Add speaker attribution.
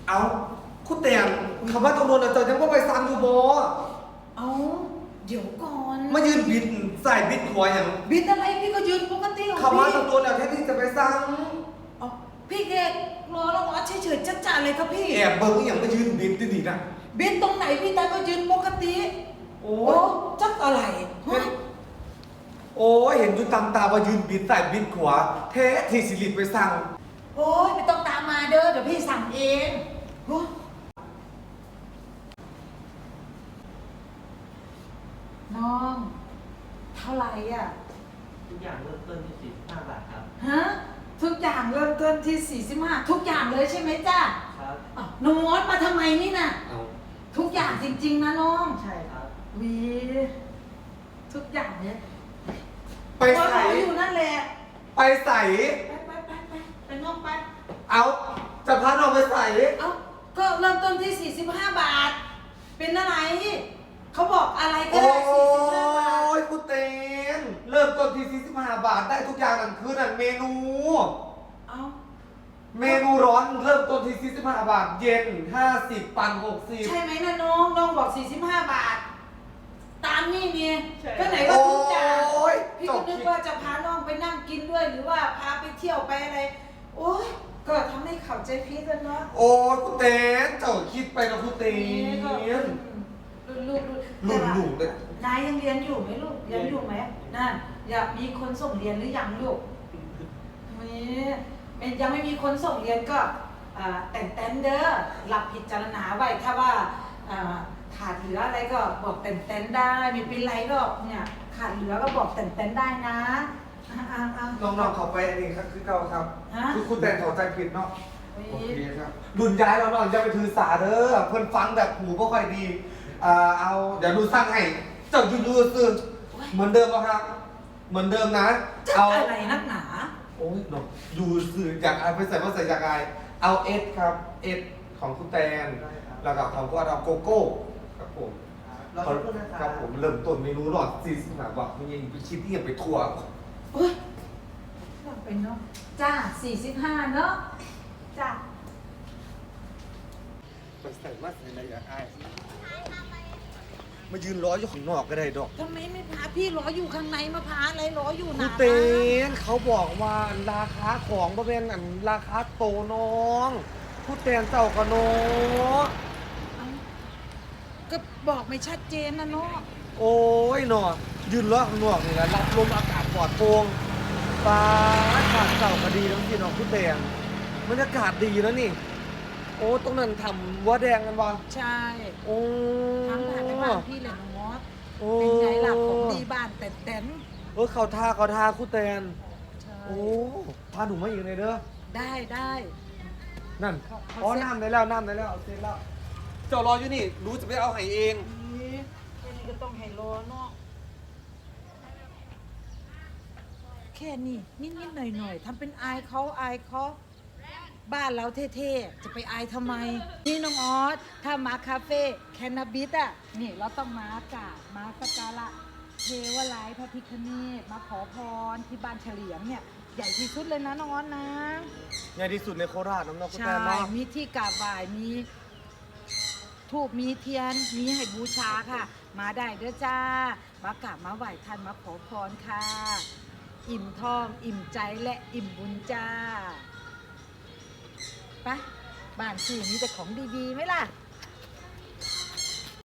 Speaker 1: เอาคุณเตียนคำว่าตำรวจเจ้ายังว่าไปสั่งอยู่บ่
Speaker 2: เอาเดี๋ยวก่อน
Speaker 1: มายืนบิดใส่บิดขวาอย่าง
Speaker 2: บิดอะไรพี่ก็ยืนปกติของ
Speaker 1: คำว่า
Speaker 2: พี่
Speaker 1: ตำรวจแค่ที่จะไปสั่ง
Speaker 2: อ๋อพี่แกรอแล้วเฉยๆจ้าๆเลยครับพี่
Speaker 1: แอบเบิ้งอย่างมายืนบิดดีๆนะ
Speaker 2: บิดตรงไหนพี่ตาก็ยืนปกติ
Speaker 1: โอ้
Speaker 2: โอ้จักอะไรฮะ
Speaker 1: โอ้ยเห็นอยู่ตามตาว่ายืนบิดใส่บิดขวาแท้ที่สิริไปสั่ง
Speaker 2: โอ้ยไม่ต้องตามมาเด้อเดี๋ยวพี่สั่งเองโอ้น้องเท่าไหร่อ่ะ
Speaker 3: ทุกอย่างเริ่มต้นที่45 บาทครับ
Speaker 2: ฮะทุกอย่างเริ่มต้นที่45ทุกอย่างเลยใช่ไหมจ้า
Speaker 3: ครับ
Speaker 2: อ้าวน้องมอสมาทำไมนี่น่ะ
Speaker 1: เอา
Speaker 2: ทุกอย่างจริงๆนะน้อง
Speaker 3: ใช่ครับ
Speaker 2: วีทุกอย่างเนี่ย
Speaker 1: ไปใส่
Speaker 2: รออยู่นั่นแหละ
Speaker 1: ไปใส่
Speaker 2: ไปน้องไป
Speaker 1: เอาจะพาน้องไปใส่
Speaker 2: เอ้าก็เริ่มต้นที่45 บาท เป็นอะไรเขาบอกอะไรก็
Speaker 1: โอ้
Speaker 2: ได้45 บาท
Speaker 1: ยคุณเตียนเริ่มต้นที่45 บาทได้ทุกอย่างนั่นคือนั่นเมนู
Speaker 2: เอ้า
Speaker 1: เมนูร้อนเริ่มต้นที่45 บาท เย็น 50 ปั่น 60
Speaker 2: ใช่ไหมนะน้องบอก45 บาท ตามนี่เนี่ยก็ไหนว่าทุกอย่าง
Speaker 1: โอ้ย
Speaker 2: พี่ก็นึกว่าจะพาน้องไปนั่งกินด้วยหรือว่าพาไปเที่ยวไปอะไร โอ้ยก็ทำให้เข้าใจผิดกันเนาะ
Speaker 1: โอ้ยคุณเตียนเจ้าคิดไปนะคุณเตียน
Speaker 2: ลูก
Speaker 1: ลุงเลย
Speaker 2: นายยังเรียนอยู่ไหมลูกเรียนอยู่ไหมนั่นอยากมีคนส่งเรียนหรือยังลูกไม่ยังไม่มีคนส่งเรียนก็แต่นเด้อหลับพิจารณาไว้ถ้าว่าขาดเหลืออะไรก็บอกแต่นได้ไม่เป็นไรหรอกเนี่ยขาดเหลือก็บอกแต่นได้นะ
Speaker 1: น้องๆเขาไปอันนี้ครับคือเก่าครับ
Speaker 2: ฮะ
Speaker 1: คือคุณแต่เข้าใจผิดเนาะ
Speaker 2: โอ้
Speaker 1: โอย เคครับรุ่นย้ายเราเนาะอย่าไปถือสาเด้อเพิ่นฟังแบบหูบ่ค่อยดีเอาเดี๋ยวดูสร้างให้เจ้าอยู่ๆซื่อเหมือนเดิมป่ะครับ เหมือนเดิมนะ
Speaker 2: จะ
Speaker 1: เอา
Speaker 2: อะไรนักหนา
Speaker 1: โอ้ยเนาะอยู่ซื่ออยากเอาไปใส่ว่าใส่อยากไอเอาเอสครับเอสของคุณแตนแล้วก็ของก็เอาโกโก้ครับผม
Speaker 3: รอสักครู่นะค
Speaker 1: ค
Speaker 3: รั
Speaker 1: รั
Speaker 3: บบ
Speaker 1: ผมเริ่มต้นเมนูหลอด45 บาทมันยังไปคิดที่ยังไปทัวร์
Speaker 2: โอ้ยอยากเป็นเนาะจ้า45เนาะจ้า
Speaker 1: ไปใส่มาใส่อะไรอยากไอมายืนรออยู่ข้างนอกก็ได้ดอก
Speaker 2: ทำไมไม่พาพี่รออยู่ข้างในมาพาอะไรรออยู่
Speaker 1: คุ
Speaker 2: นะ
Speaker 1: ณเตนเขาบอกว่าราคาของบ่เป็นอันราคาโตน้องคุณเตนเจ้ากับน้อง
Speaker 2: ก็บอกไม่ชัดเจนนะเนาะ
Speaker 1: โอ้ยหนอยืนรอข้างนอกนี่แหละรับลมอากาศปลอดโปร่งฟ้าอากาศเจ้าก็ดีทั้งที่น้องคุณเตนบรรยากาศดีแล้วนี่ โอ้ตรงนั้นทำวัวแดงกันวะ
Speaker 2: ใช่
Speaker 1: โอ้
Speaker 2: ทางผ่านในบ้านพี่เลยน้องมอส
Speaker 1: โอ้
Speaker 2: เป็นไงล่ะของดีบ้านแต่น
Speaker 1: เขาท่าคุณเตน
Speaker 2: ใช่
Speaker 1: โอ้พาหนูมาอีกเลยเด้อ
Speaker 2: ได้ได้
Speaker 1: นั่น
Speaker 2: เขา
Speaker 1: อ๋อ
Speaker 2: เซ็ต
Speaker 1: น้ำได้แล้วเอาเสร็จแล้วเจ้ารออยู่นี่รู้จะไปเอาไห้เอง
Speaker 2: นี่แค่นี้ก็ต้องให้รอเนาะแค่นี้นิดๆหน่อยๆทำเป็นอายเขาบ้านเราเท่ๆจะไปอายทำไม นี่น้องออสถ้ามาคาเฟ่แคนาบิสอ่ะนี่เราต้องมากราบมาสักการะเทวไลยพระพิฆเนศมาขอพรที่บ้านเฉลียงเนี่ยใหญ่ที่สุดเลยนะน้องออสนะ
Speaker 1: ใหญ่ที่สุดในโคราชน้องๆคุณ
Speaker 2: ใช่
Speaker 1: แตนเนาะ
Speaker 2: มีที่กราบไหว้มีทูบมีเทียนมีให้บูชาค่ะ มาได้เด้อจ้ามากราบมาไหว้ท่านมาขอพรค่ะ อิ่มท้องอิ่มใจและอิ่มบุญจ้าไปบ้านสี่มีแต่ของดีๆไหมล่ะ